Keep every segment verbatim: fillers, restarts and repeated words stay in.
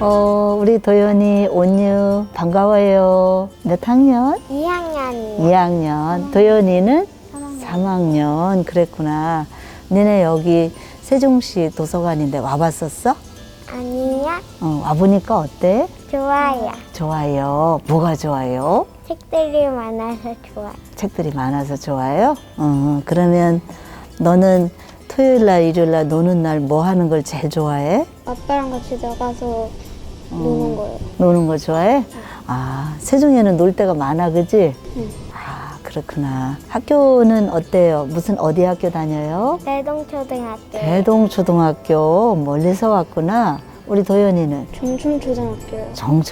어, 우리 도연이, 온유, 반가워요. 몇 학년? 이 학년이요. 이 학년. 도연이는 삼 학년. 그랬구나. 니네 여기 세종시 도서관인데 와봤었어? 아니요. 어, 와보니까 어때? 좋아요. 좋아요. 뭐가 좋아요? 책들이 많아서 좋아요. 책들이 많아서 좋아요? 어, 그러면 너는 토요일 날, 일요일 날 노는 날 뭐 하는 걸 제일 좋아해? 아빠랑 같이 나가서 노는 거예요. 노는 거 좋아해? 아, 세종에는 놀 데가 많아, 그지? 응. 아, 그렇구나. 학교는 어때요? 무슨 어디 학교 다녀요? 대동초등학교. 대동초등학교. 멀리서 왔구나. 우리 도연이는 중춤초등학교요.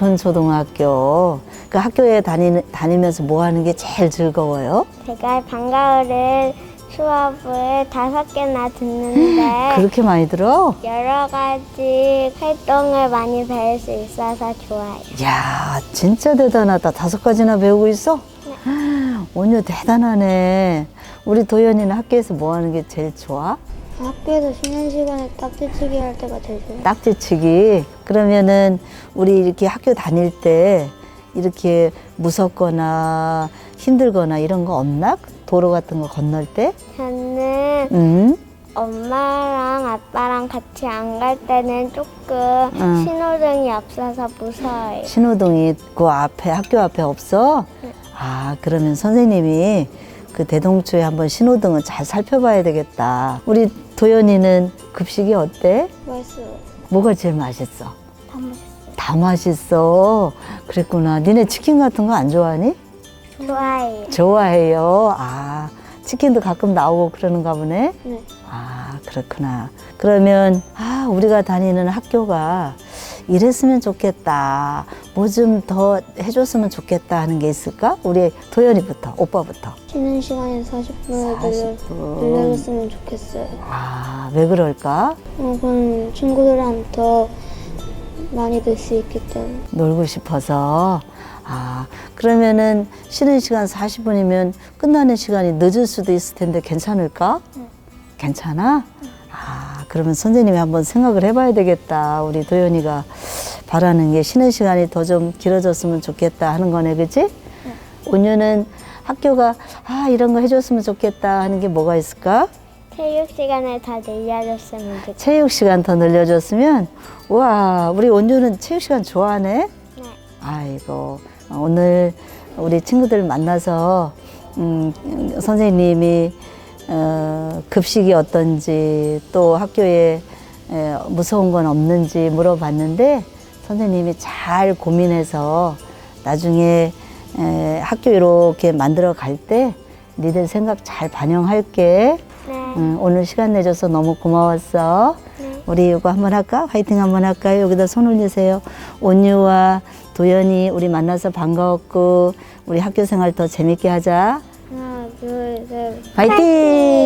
정천초등학교. 그 학교에 다니, 다니면서 뭐 하는 게 제일 즐거워요? 제가 방과후를 수업을 다섯 개나 듣는데 그렇게 많이 들어? 여러 가지 활동을 많이 배울 수 있어서 좋아요. 이야, 진짜 대단하다. 다섯 가지나 배우고 있어? 온유 대단하네. 우리 도연이는 학교에서 뭐 하는 게 제일 좋아? 학교에서 쉬는 시간에 딱지치기 할 때가 제일 좋아요. 딱지치기. 그러면은 우리 이렇게 학교 다닐 때 이렇게 무섭거나 힘들거나 이런 거 없나? 도로 같은 거 건널 때? 저는 응? 엄마랑 아빠랑 같이 안 갈 때는 조금 응. 신호등이 없어서 무서워요. 신호등이 그 앞에, 학교 앞에 없어? 네. 아, 그러면 선생님이 그 대동초에 한번 신호등을 잘 살펴봐야 되겠다. 우리 도연이는 급식이 어때? 맛있어요. 뭐가 제일 맛있어? 다 맛있어요. 다 맛있어. 그랬구나. 니네 치킨 같은 거 안 좋아하니? 좋아해요. 좋아해요. 아, 치킨도 가끔 나오고 그러는가 보네? 네. 아, 그렇구나. 그러면, 아, 우리가 다니는 학교가 이랬으면 좋겠다. 뭐 좀 더 해줬으면 좋겠다 하는 게 있을까? 우리 도연이부터, 오빠부터. 쉬는 시간에 사십 분을 늘려, 사십 분. 늘려줬으면 좋겠어요. 아, 왜 그럴까? 어, 그럼 친구들이랑 더 많이 들 수 있기 때문에. 놀고 싶어서. 아, 그러면은 쉬는 시간 사십 분이면 끝나는 시간이 늦을 수도 있을 텐데 괜찮을까? 응. 괜찮아? 아, 그러면 선생님이 한번 생각을 해봐야 되겠다. 우리 도연이가 바라는 게 쉬는 시간이 더 좀 길어졌으면 좋겠다 하는 거네, 그치? 응. 온유는 학교가 아, 이런 거 해줬으면 좋겠다 하는 게 뭐가 있을까? 체육 시간을 더 늘려줬으면 좋겠어요. 체육 시간 더 늘려줬으면, 우와, 우리 온유는 체육 시간 좋아하네? 네. 아이고, 오늘 우리 친구들 만나서, 음, 선생님이, 어, 급식이 어떤지, 또 학교에 에, 무서운 건 없는지 물어봤는데, 선생님이 잘 고민해서 나중에 에, 학교 이렇게 만들어 갈 때, 니들 생각 잘 반영할게. 네. 음, 오늘 시간 내줘서 너무 고마웠어. 네. 우리 이거 한번 할까? 화이팅 한번 할까요? 여기다 손 올리세요. 온유와 도연이 우리 만나서 반가웠고 우리 학교 생활 더 재밌게 하자. 하나, 둘, 셋. 화이팅!